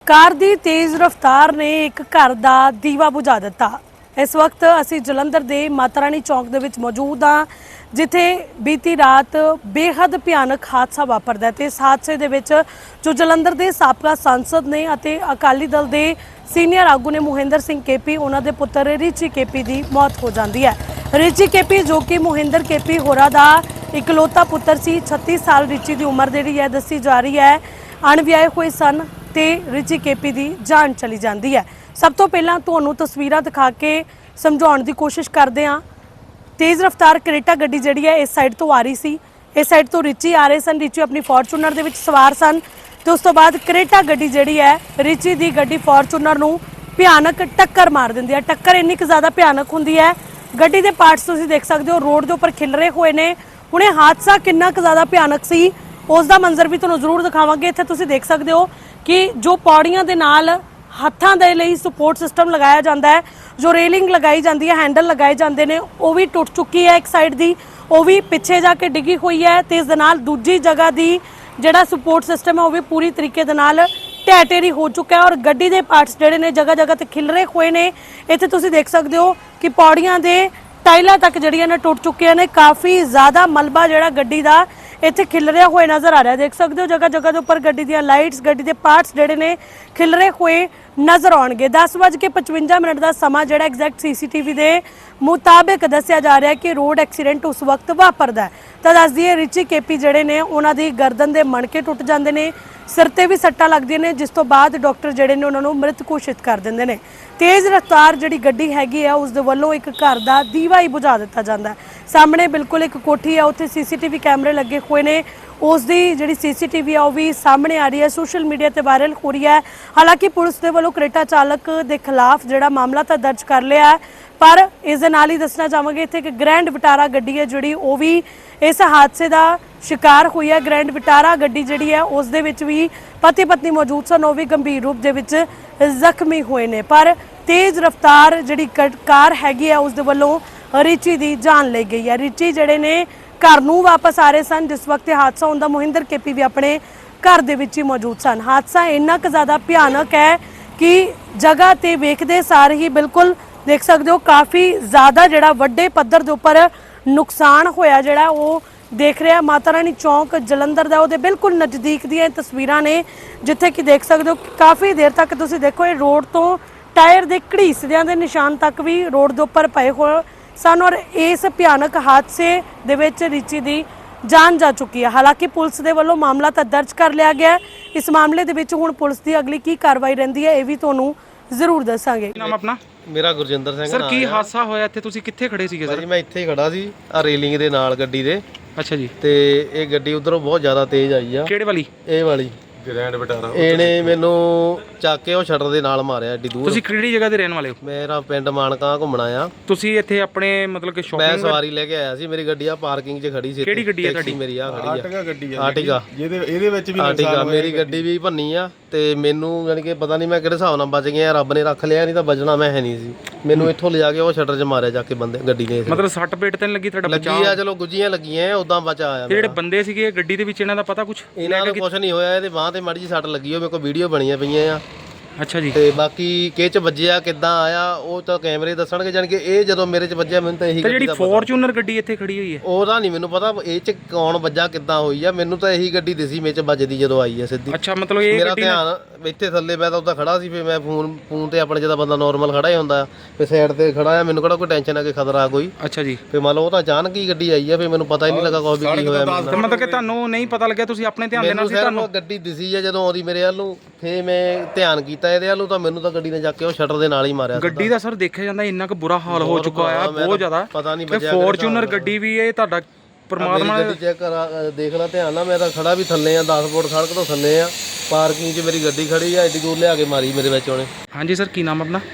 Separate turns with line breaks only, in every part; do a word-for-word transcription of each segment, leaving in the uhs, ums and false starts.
Car की तेज़ रफ्तार ने एक घर का दीवा बुझा दिता। इस वक्त असी जलंधर के माता रानी चौक दे विच मौजूद हाँ, जिथे बीती रात बेहद भयानक हादसा वापरदा है। इस हादसे दे विच जो जलंधर के साबका सांसद ने अते अकाली दल के सीनियर आगू ने मोहिंदर सिंह केपी उन्हां दे पुत्र रिची केपी की मौत हो जाती है। रिची केपी जो कि मोहिंदर केपी होरां दा इकलौता पुत्र सी, छत्ती साल रिची की उम्र जिहड़ी है दसी जा रही है। अणविआहे हुए सन ते रिची केपी की जान चली जाती है। सब तो पहला तुहानूं तस्वीरां दिखा के समझाउण की कोशिश करते हैं। तेज़ रफ्तार करेटा गड्डी जिहड़ी है इस साइड तो आ रही सी, इस साइड तो रिची आ रहे सन। रिची अपनी फॉर्चूनर दे विच सवार सन तो उस तो बाद करेटा गड्डी जिहड़ी है रिची की गड्डी फॉर्चूनर नूं भयानक टक्कर मार दिंदी है। टक्कर इन्नी क ज़्यादा भयानक हुंदी है, गड्डी के पार्ट्स तुसीं देख सकते हो रोड के उपर खिलरे हुए ने। हुणे हादसा कितना क ज़्यादा भयानक सी उसका मंजर भी तुहानूं जरूर दिखावांगे। इत्थे तुसीं देख सकते हो कि जो पौड़ियां दे नाल हत्थां दे लई सपोर्ट सिस्टम लगाया जाता है, जो रेलिंग लगाई जाती है, हैंडल लगाए जाते हैं, वो भी टुट चुकी है। एक साइड की वो भी पिछे जाके डिगी हुई है तो इस दे नाल दूजी जगह की जिहड़ा सपोर्ट सिस्टम है वो भी पूरी तरीके दे नाल ढह ढेरी हो चुका है और गड्डी के पार्ट्स जिहड़े ने जगह जगह ते खिलरे हुए ने। इत्थे तुसीं देख सकते हो कि पौड़ियां दे टाइलां तक जिहड़ियां ने टुट चुकियां ने। काफ़ी ज़्यादा मलबा जिहड़ा गड्डी का इत्थे खिलरिया हुए नज़र आ रहा है। देख सकते हो जगह जगह के उपर गड्डी दी लाइट्स, गड्डी के पार्ट्स जिहड़े ने खिलरे हुए नज़र आउणगे। दस बज के पचवंजा मिनट का समा जिहड़ा exact C C T V के मुताबिक दस्सिया जा रहा है कि रोड एक्सीडेंट उस वक्त वापरदा है। तो दस दिए रिची केपी जिहड़े ने उन्हां दी गर्दन के मणके टुट जाते हैं, सिर ते भी सट्टां लगदियां ने, जिस तो बाद डॉक्टर जिहड़े ने उन्हां नूं मृत घोषित कर दिंदे ने। तेज़ रफ्तार जिहड़ी गड्डी हैगी है उस दे वल्लों एक घर का दीवा ही बुझा दिता जाता है। सामने बिल्कुल एक कोठी है, उत्थे सी सी टी वी कैमरे लगे हुए ने, उसकी जिहड़ी सी सी टी वी है वह भी सामने आ रही है, सोशल मीडिया पर वायरल हो रही है। हालांकि पुलिस के वलों करेटा चालक के खिलाफ जिहड़ा मामला तो दर्ज कर लिया है, पर इस दे नाल ही दसना चाहांगे इत्थे एक ग्रैंड विटारा गड्डी है जिहड़ी वो भी इस हादसे का शिकार हुई है। ग्रैंड विटारा गड्डी जिहड़ी है उस दे विच भी पति पत्नी मौजूद सन, वो भी गंभीर रूप दे विच जख्मी हुए ने। पर तेज़ रफ्तार जिहड़ी कार हैगी है उस दे वल्लों रिची की जान ली गई है। रिची जिहड़े ने घर नूं वापस आ रहे सन जिस वक्त हादसा होंदा, मोहिंदर केपी भी अपने घर दे विच ही मौजूद सन। हादसा इन्ना क ज़्यादा भयानक है कि जगह ते वेखदे सार ही बिल्कुल देख सकते हो काफ़ी ज़्यादा जिहड़ा वड्डे पद्धर दे उपर नुकसान होया जिहड़ा वो देख रहे हैं। माता रानी चौक जलंधर दा उहदे बिल्कुल नज़दीक दी तस्वीरां ने जिथे कि देख सकते हो काफ़ी देर तक तुसीं देखो ये रोड तो टायर के घड़ीसदियां दे निशान तक भी रोड के उपर पए होए सन और इस भयानक हादसे दे विच रिची की जान जा चुकी है। हालांकि पुलिस के वलों मामला तो दर्ज कर लिया गया। इस मामले दे विच हुण पुलिस की अगली की कार्रवाई रहिंदी है ये भी तुहानूं जरूर दसांगे।
नाम अपना?
मेरा गुरजिंदर सिंह
सर की हादसा होया इत्थे तुसीं कित्थे खड़े सीगे सर?
भाजी मैं ਇੱਥੇ ਖੜਾ ਸੀ ਆ ਰੇਲਿੰਗ ਦੇ ਨਾਲ ਗੱਡੀ ਦੇ।
अच्छा जी।
ਤੇ ਇਹ ਗੱਡੀ ਉਧਰੋਂ ਬਹੁਤ ਜ਼ਿਆਦਾ ਤੇਜ਼ ਆਈ ਆ।
ਕਿਹੜੇ ਵਾਲੀ?
ਇਹ ਵਾਲੀ ਗ੍ਰੈਂਡ ਵਿਟਾਰਾ। ਇਹਨੇ ਮੈਨੂੰ ਚੱਕ ਕੇ ਉਹ ਸ਼ਟਰ ਦੇ ਨਾਲ ਮਾਰਿਆ ਏਡੀ ਦੂਰ।
ਤੁਸੀਂ ਕਿਹੜੀ ਜਗ੍ਹਾ ਦੇ ਰਹਿਣ ਵਾਲੇ ਹੋ?
ਮੇਰਾ ਪਿੰਡ ਮਾਨਕਾ ਘੁੰਮਣਾ ਆ।
ਤੁਸੀਂ ਇੱਥੇ ਆਪਣੇ ਮਤਲਬ ਕਿ
ਮੈਂ
ਸ਼ਾਪਿੰਗ
ਸਵਾਰੀ ਲੈ ਕੇ ਆਇਆ ਸੀ, ਮੇਰੀ ਗੱਡੀ ਆ ਪਾਰਕਿੰਗ 'ਚ ਖੜੀ ਸੀ।
ਕਿਹੜੀ ਗੱਡੀ ਆ ਤੁਹਾਡੀ?
ਮੇਰੀ ਆ ਖੜੀ ਆ
ਆਰਟਿਗਾ ਗੱਡੀ ਆ।
ਆਰਟਿਗਾ
ਜਿਹਦੇ ਇਹਦੇ ਵਿੱਚ ਵੀ
ਆਰਟਿਗਾ ਮੇਰੀ ਗੱਡੀ ਵੀ ਭੰਨੀ ਆ ਤੇ ਮੈਨੂੰ ਯਾਨੀ ਕਿ ਪਤਾ ਨਹੀਂ ਮੈਂ ਕਿਹੜੇ ਹਿਸਾਬ ਨਾਲ ਬਚ ਗਿਆ, ਰੱਬ ਨੇ ਰੱਖ ਲਿਆ, ਨਹੀਂ ਤਾਂ ਬਚਣਾ ਮੈਂ ਹੈ ਨਹੀਂ ਸੀ। ਮੈਨੂੰ ਇੱਥੋਂ ਲਿਜਾ ਕੇ ਉਹ ਸ਼ਟਰ 'ਚ ਮਾਰਿਆ ਜਾ ਕੇ ਬੰਦੇ ਗੱਡੀ ਨੇ।
ਮਤਲਬ ਸੱਟ ਪੇਟ ਤੇ ਨਹੀਂ ਲੱਗੀ ਤੁਹਾਡਾ?
ਲੱਗੀ ਆ, ਚਲੋ ਗੁੱਜੀਆਂ ਲੱਗੀਆਂ, ਉਦਾਂ ਬਚਾ ਆਇਆ।
ਜਿਹੜੇ ਬੰਦੇ ਸੀਗੇ ਗੱਡੀ ਦੇ ਵਿੱਚ ਇਹਨਾਂ ਦਾ ਪਤਾ ਕੁਝ?
ਇਹਨਾਂ ਨੂੰ ਕੁਝ ਨਹੀਂ ਹੋਇਆ, ਇਹਦੇ ਬਾਂਹ ਤੇ ਮਾੜੀ ਜਿਹੀ ਸੱਟ ਲੱਗੀ ਹੋਈ, ਮੇਰੇ ਕੋਲ ਵੀਡੀਓ ਬਣੀਆਂ ਪਈਆਂ ਆ।
ਅੱਛਾ ਜੀ।
ਤੇ ਬਾਕੀ ਕਿਹ ਚ ਵੱਜਿਆ ਕਿੱਦਾਂ ਆਇਆ ਉਹ ਤਾਂ ਕੈਮਰੇ ਦੱਸਣਗੇ। ਜਾਨ ਕਿ ਇਹ ਜਦੋਂ ਮੇਰੇ ਚ ਵੱਜਿਆ ਮੈਨੂੰ ਤਾਂ ਇਹੀ
ਗੱਡੀ ਦਾ ਪਤਾ। ਜਿਹੜੀ ਫੋਰਚੂਨਰ ਗੱਡੀ ਇੱਥੇ ਖੜੀ ਹੋਈ ਹੈ
ਉਹਦਾ ਨਹੀਂ ਮੈਨੂੰ ਪਤਾ ਇਹ ਚ ਕੌਣ ਵੱਜਾ ਕਿੱਦਾਂ ਹੋਈ ਆ। ਮੈਨੂੰ ਤਾਂ ਇਹੀ ਗੱਡੀ ਦਿਸੀ ਮੇਰੇ ਚ ਵੱਜਦੀ ਜਦੋਂ ਆਈ ਆ ਸਿੱਧੀ।
ਅੱਛਾ ਮਤਲਬ ਇਹ
ਮੇਰਾ ਧਿਆਨ ਇੱਥੇ ਥੱਲੇ, ਮੈਂ ਤਾਂ ਉੱਦਾਂ ਖੜਾ ਸੀ, ਫਿਰ ਮੈਂ ਫੋਨ ਫੋਨ ਤੇ ਆਪਣੇ ਜਿਹਦਾ ਬੰਦਾ ਨਾਰਮਲ ਖੜਾ ਹੀ ਹੁੰਦਾ ਫਿਰ ਸਾਈਡ ਤੇ ਖੜਾ ਆ, ਮੈਨੂੰ ਕਿਹੜਾ ਕੋਈ ਟੈਨਸ਼ਨ ਆ ਕਿ ਖਤਰਾ ਕੋਈ।
ਅੱਛਾ ਜੀ।
ਫਿਰ ਮੰਨ ਲਓ ਉਹ ਤਾਂ ਅਚਾਨਕ ਹੀ ਗੱਡੀ ਆਈ ਆ, ਫਿਰ ਮੈਨੂੰ ਪਤਾ ਹੀ ਨਹੀਂ ਲੱਗਾ ਕੋਈ ਵੀ ਕੀ ਹੋਇਆ।
ਮਤਲਬ ਕਿ ਤੁਹਾਨੂੰ ਨਹੀਂ ਪਤਾ ਲੱਗਿਆ, ਤੁਸੀਂ ਆਪਣੇ ਧਿਆਨ ਦੇ ਨਾਲ ਸੀ? ਤੁਹਾਨੂੰ
ਗੱਡੀ ਦਿਸੀ ਆ ਜਦੋਂ ਆਉਂਦੀ ਮੇਰੇ ਵੱਲ ਨੂੰ, ਫਿਰ ਮੈਂ ਧਿਆਨ ਕੀਤਾ ਇਹਦੇ ਵੱਲ ਨੂੰ, ਤਾਂ ਮੈਨੂੰ ਤਾਂ ਗੱਡੀ ਨੇ ਜਾ ਕੇ ਉਹ ਸ਼ਟਰ ਦੇ ਨਾਲ ਹੀ ਮਾਰਿਆ।
ਗੱਡੀ ਦਾ ਸਰ ਦੇਖਿਆ ਜਾਂਦਾ ਇੰਨਾ ਕੁ ਬੁਰਾ ਹਾਲ ਹੋ ਚੁੱਕਾ ਆ ਬਹੁਤ ਜ਼ਿਆਦਾ।
ਪਤਾ ਨਹੀਂ
ਬਚਿਆ ਫੋਰਚੂਨਰ ਗੱਡੀ ਵੀ ਇਹ ਤੁਹਾਡਾ ਪਰਮਾਤਮਾ
ਗੱਡੀ ਚੈੱਕ ਕਰਾ ਦੇਖ ਲੈ ਧਿਆਨ ਨਾਲ। ਮੈਂ ਤਾਂ ਖੜਾ ਵੀ ਥੱਲੇ ਆ, ਦਸ ਫੁੱਟ ਸੜਕ ਤੋਂ ਥੱਲੇ ਆ, ਪਾਰਕਿੰਗ 'ਚ ਮੇਰੀ ਗੱਡੀ ਖੜੀ ਆ, ਐਡੀ ਦੂਰ ਲਿਆ ਕੇ ਮਾਰੀ ਮੇਰੇ ਵਿੱਚ ਉਹਨੇ।
ਹਾਂਜੀ ਸਰ ਕੀ ਨਾਮ ਆਪਣਾ?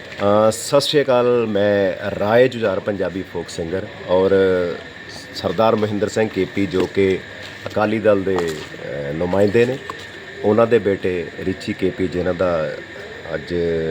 ਸਤਿ ਸ਼੍ਰੀ ਅਕਾਲ, ਮੈਂ ਰਾਏ ਜੁਝਾਰ ਪੰਜਾਬੀ ਫੋਕ ਸਿੰਗਰ ਔਰ ਸਰਦਾਰ ਮਹਿੰਦਰ ਸਿੰਘ ਕੇਪੀ ਜੋ ਕਿ ਅਕਾਲੀ ਦਲ ਦੇ ਨੁਮਾਇੰਦੇ ਨੇ, ਉਹਨਾਂ ਦੇ ਬੇਟੇ ਰਿਚੀ ਕੇਪੀ ਜਿਨ੍ਹਾਂ ਦਾ ਅੱਜ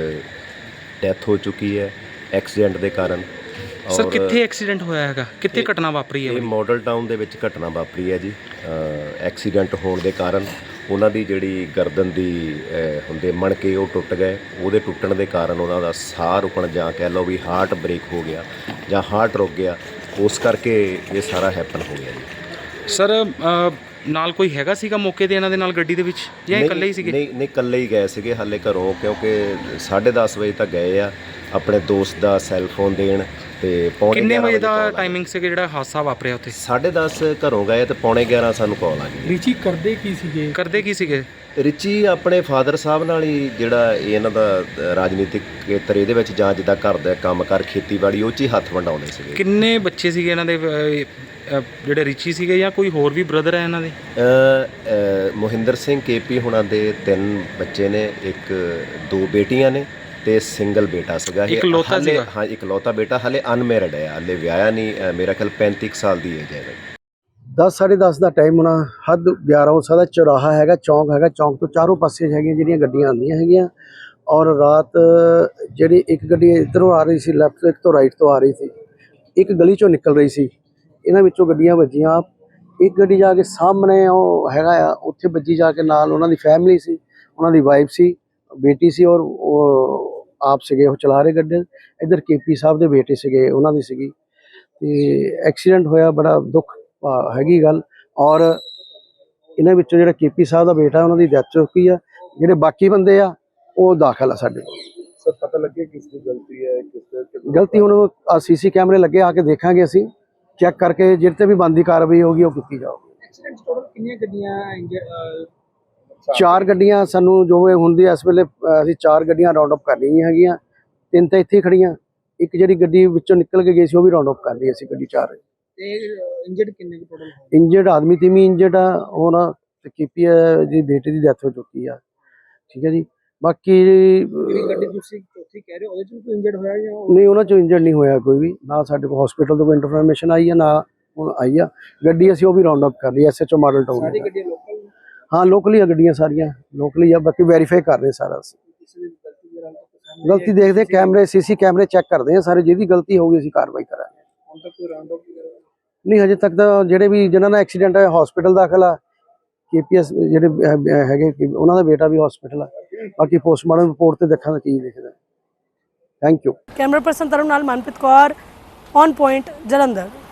ਡੈਥ ਹੋ ਚੁੱਕੀ ਹੈ ਐਕਸੀਡੈਂਟ ਦੇ ਕਾਰਨ।
ਸਰ ਕਿੱਥੇ ਐਕਸੀਡੈਂਟ ਹੋਇਆ ਹੈਗਾ, ਕਿੱਥੇ ਘਟਨਾ ਵਾਪਰੀ ਹੈ?
ਇਹ ਮਾਡਲ ਟਾਊਨ ਦੇ ਵਿੱਚ ਘਟਨਾ ਵਾਪਰੀ ਹੈ ਜੀ। ਐਕਸੀਡੈਂਟ ਹੋਣ ਦੇ ਕਾਰਨ ਉਹਨਾਂ ਦੀ ਜਿਹੜੀ ਗਰਦਨ ਦੀ ਅਹ, ਹੁੰਦੇ ਮਣਕੇ ਉਹ ਟੁੱਟ ਗਏ। ਉਹਦੇ ਟੁੱਟਣ ਦੇ ਕਾਰਨ ਉਹਨਾਂ ਦਾ ਸਾਹ ਰੁਕਣ ਜਾਂ ਕਹਿ ਲਓ ਵੀ ਹਾਰਟ ਬ੍ਰੇਕ ਹੋ ਗਿਆ ਜਾਂ ਹਾਰਟ ਰੁਕ ਗਿਆ, ਉਸ ਕਰਕੇ ਇਹ ਸਾਰਾ ਹੈਪਨ ਹੋ ਗਿਆ ਜੀ।
ਸਰ ਨਾਲ ਕੋਈ ਹੈਗਾ ਸੀਗਾ ਮੌਕੇ ਤੇ ਇਹਨਾਂ ਦੇ ਨਾਲ ਗੱਡੀ ਦੇ ਵਿੱਚ ਜਾਂ ਇਹ ਇਕੱਲੇ ਹੀ ਸੀਗੇ?
ਨਹੀਂ ਨਹੀਂ ਇਕੱਲੇ ਹੀ ਗਏ ਸੀਗੇ ਹਾਲੇ ਘਰੋਂ, ਕਿਉਂਕਿ ਸਾਢੇ ਦਸ ਵਜੇ ਤੱਕ ਗਏ ਆ ਆਪਣੇ ਦੋਸਤ ਦਾ ਸੈੱਲ ਫੋਨ ਦੇਣ, ਤੇ ਪੌਣੇ
ਕਿੰਨੇ
ਗਿਆਰਾਂ
ਵਜੇ ਦਾ
call ਆ ਗਈ।
ਟਾਈਮਿੰਗ ਸੀਗਾ ਜਿਹੜਾ ਹਾਦਸਾ ਵਾਪਰਿਆ ਉੱਥੇ?
ਸਾਢੇ ਦਸ ਘਰੋਂ ਗਏ ਤੇ ਪੌਣੇ ਗਿਆਰਾਂ ਸਾਨੂੰ ਕਾਲ ਆ ਗਈ।
ਰਿਚੀ ਕਰਦੇ ਕੀ ਸੀਗੇ?
ਕਰਦੇ ਕੀ ਸੀਗੇ?
ਰਿਚੀ ਆਪਣੇ ਫਾਦਰ ਸਾਹਿਬ ਨਾਲ ਹੀ ਜਿਹੜਾ ਇਹ ਇਹਨਾਂ ਦਾ ਅ, ਰਾਜਨੀਤਿਕ ਖੇਤਰ ਇਹਦੇ ਵਿੱਚ ਜਾਂ ਜਿੱਦਾਂ ਘਰ ਦਾ ਕੰਮ ਕਰ ਖੇਤੀਬਾੜੀ ਉਹ 'ਚ ਹੀ ਹੱਥ ਵੰਡਾਉਂਦੇ ਸੀਗੇ।
ਕਿੰਨੇ ਬੱਚੇ ਸੀਗੇ ਇਹਨਾਂ ਦੇ ਅਹ, ਅਹ, ਜਿਹੜੇ ਰਿਚੀ ਸੀਗੇ ਜਾਂ ਕੋਈ ਹੋਰ ਵੀ ਬ੍ਰਦਰ ਹੈ ਇਹਨਾਂ ਦੇ?
ਅ, ਅ, ਮੋਹਿੰਦਰ ਸਿੰਘ ਕੇਪੀ ਹੁਣਾਂ ਦੇ ਤਿੰਨ ਬੱਚੇ ਨੇ, ਇੱਕ ਦੋ ਬੇਟੀਆਂ ਨੇ ਤੇ ਸਿੰਗਲ ਬੇਟਾ ਸੀਗਾ ਇਹ।
ਇਕਲੌਤਾ
ਹਾਲੇ-
ਸੀਗਾ?
ਹਾਂ ਇਕਲੌਤਾ ਬੇਟਾ, ਹਾਲੇ ਅਨਮੈਰਿਡ ਹੈ, ਹਾਲੇ ਵਿਆਹਿਆ ਨਹੀਂ। ਅ, ਮੇਰਾ ਖਿਆਲ ਪੈਂਤੀ ਕੁ ਸਾਲ ਦੀ ਏਜ ਹੈ।
ਦਸ ਸਾਢੇ ਦਸ ਦਾ ਟਾਈਮ ਹੋਣਾ, ਹੱਦ ਗਿਆਰਾਂ ਹੋ ਸਕਦਾ। ਚੌਰਾਹਾ ਹੈਗਾ, ਚੌਂਕ ਹੈਗਾ, ਚੌਂਕ ਤੋਂ ਚਾਰੋਂ ਪਾਸੇ ਹੈਗੀਆਂ ਜਿਹੜੀਆਂ ਗੱਡੀਆਂ ਆਉਂਦੀਆਂ ਹੈਗੀਆਂ। ਔਰ ਰਾਤ ਜਿਹੜੀ ਇੱਕ ਗੱਡੀ ਇੱਧਰੋਂ ਆ ਰਹੀ ਸੀ ਲੈਫਟ ਤੋਂ, ਇੱਕ ਤੋਂ ਰਾਈਟ ਤੋਂ ਆ ਰਹੀ ਸੀ, ਇੱਕ ਗਲੀ ਚੋਂ ਨਿਕਲ ਰਹੀ ਸੀ। ਇਹਨਾਂ ਵਿੱਚੋਂ ਗੱਡੀਆਂ ਵੱਜੀਆਂ, ਇੱਕ ਗੱਡੀ ਜਾ ਕੇ ਸਾਹਮਣੇ ਉਹ ਹੈਗਾ ਆ ਉੱਥੇ ਵੱਜੀ ਜਾ ਕੇ, ਨਾਲ ਉਹਨਾਂ ਦੀ ਫੈਮਿਲੀ ਸੀ, ਉਹਨਾਂ ਦੀ ਵਾਈਫ ਸੀ, ਬੇਟੀ ਸੀ, ਔਰ ਉਹ ਆਪ ਸੀਗੇ ਉਹ ਚਲਾ ਰਹੇ ਗੱਡੀ। ਇੱਧਰ ਕੇਪੀ ਸਾਹਿਬ ਦੇ ਬੇਟੇ ਸੀਗੇ, ਉਹਨਾਂ ਦੀ ਸੀਗੀ। ਤੇ ਐਕਸੀਡੈਂਟ ਹੋਇਆ, ਬੜਾ ਦੁੱਖ ਭਾ- ਹੈਗੀ ਗੱਲ। ਔਰ ਇਹਨਾਂ ਵਿੱਚੋਂ ਜਿਹੜਾ ਕੇਪੀ ਸਾਹਿਬ ਦਾ ਬੇਟਾ ਉਹਨਾਂ ਦੀ ਡੈਥ ਹੋ ਚੁੱਕੀ ਆ, ਜਿਹੜੇ ਬਾਕੀ ਬੰਦੇ ਆ ਉਹ ਦਾਖਲ ਆ ਸਾਡੇ ਕੋਲ।
ਸਰ ਪਤਾ ਲੱਗੇ ਕਿਸ ਦੀ ਗਲਤੀ ਹੈ, ਕਿਸ ਦੇ
ਗਲਤੀ ਹੁਣ ਸੀਸੀ ਕੈਮਰੇ ਲੱਗੇ, ਆ ਕੇ ਦੇਖਾਂਗੇ ਅਸੀਂ, ਚੈੱਕ ਕਰਕੇ ਜਿਹੜੇ ਤੇ ਵੀ ਬਣਦੀ ਕਾਰਵਾਈ ਹੋਗੀ ਉਹ ਕੀਤੀ ਜਾਊਗੀ।
ਐਕਸੀਡੈਂਟ ਟੋਟਲ ਕਿੰਨੀਆਂ ਗੱਡੀਆਂ?
ਚਾਰ ਗੱਡੀਆਂ ਸਾਨੂੰ ਜੋ ਇਹ ਹੁੰਦੀ ਇਸ ਵੇਲੇ, ਅ, ਅਸੀਂ ਚਾਰ ਗੱਡੀਆਂ ਰਾਉਂਡ ਅਪ ਕਰ ਲਈਆਂ ਹੈਗੀਆਂ, ਤਿੰਨ ਤਾਂ ਇੱਥੇ ਹੀ ਖੜੀਆਂ, ਇੱਕ ਜਿਹੜੀ ਗੱਡੀ ਵਿੱਚੋਂ ਨਿਕਲ ਕੇ ਗਈ ਸੀ ਉਹ ਵੀ ਰਾਉਂਡ ਅਪ ਕਰ ਲਈ ਅਸੀਂ, ਗੱਡੀ ਚਾਰ।
ਤੇ ਇੰਜਰਡ ਕਿੰਨੇ ਕੁ ਟੋਟਲ?
ਇੰਜਰਡ ਆਦਮੀ ਤੇ ਵੀ ਇੰਜਰਡ ਆ ਹੁਣ, ਤੇ ਕੀਪੀ ਜੀ ਬੇਟੇ ਦੀ ਡੈਥ ਹੋ ਚੁੱਕੀ ਆ। ਠੀਕ ਹੈ ਜੀ। ਬਾਕੀ
ਜਿਹੜੀ ਗੱਡੀ ਤੁਸੀਂ ਚੌਥੀ ਕਹਿ ਰਹੇ ਹੋ ਉਹਦੇ ਚ ਵੀ ਕੋਈ ਇੰਜਰਡ ਹੋਇਆ ਜਾਂ ਉਹ-
ਨਹੀਂ, ਉਹਨਾਂ ਚੋਂ ਇੰਜਰਡ ਨਹੀਂ ਹੋਇਆ ਕੋਈ ਵੀ, ਨਾ ਸਾਡੇ ਕੋਲ ਹਸਪੀਟਲ ਤੋਂ ਕੋਈ ਇਨਫੋਰਮੇਸ਼ਨ ਆਈ ਆ, ਨਾ ਹੁਣ ਆਈ ਆ। ਗੱਡੀ ਅਸੀਂ ਉਹ ਵੀ ਰਾਉਂਡ ਅਪ ਕਰ ਲਈ, ਐਸਐਚਓ ਮਾਡਲ ਟਾਊਨ।
ਸਾਰੀ ਗੱਡੀਆਂ ਲੋਕਲ ਨੇ?
ਹਾਂ ਲੋਕਲੀ ਆ ਗੱਡੀਆਂ ਸਾਰੀਆਂ, ਲੋਕਲੀ ਆ। ਬਾਕੀ ਵੈਰੀਫਾਈ ਕਰ ਰਹੇ ਸਾਰਾ ਅਸੀਂ।
ਕਿਸੇ ਦੀ ਗਲਤੀ ਦੇ ਨਾਲ ਤਾਂ ਸਾਹਮਣੇ
ਗਲਤੀ ਦੇਖਦੇ, ਕੈਮਰੇ ਸੀਸੀ ਕੈਮਰੇ ਚੈੱਕ ਕਰਦੇ ਆ ਸਾਰੇ, ਜਿਹਦੀ ਗਲਤੀ ਹੋਊਗੀ ਅਸੀਂ ਕਾਰਵਾਈ ਕਰਾਂਗੇ।
ਹੁਣ ਤੱਕ ਕੋਈ ਰਾਉਂਡ ਅਪ ਵਗੈਰਾ?
ਨਹੀਂ ਹਜੇ ਤੱਕ ਤਾਂ ਜਿਹੜੇ ਵੀ ਜਿਨ੍ਹਾਂ ਦਾ ਐਕਸੀਡੈਂਟ ਹੈ ਹਸਪੀਟਲ ਦਾਖਲ ਆ, ਕੇਪੀਐਸ ਜਿਹੜੇ ਅਹ, ਅਹ, ਹੈਗੇ ਕਿ ਉਹਨਾਂ ਦਾ ਬੇਟਾ ਵੀ ਹਸਪੀਟਲ ਆ। ਬਾਕੀ ਪੋਸਟਮਾਰਟਮ ਰਿਪੋਰਟ ਤੇ ਦੇਖਾਂਗੇ ਕੀ ਦਿਖਦਾ। Thank you.
Camera person Tarun ਨਾਲ ਮਨਪ੍ਰੀਤ ਕੌਰ, ਔਨ ਪੁਆਇੰਟ, ਜਲੰਧਰ।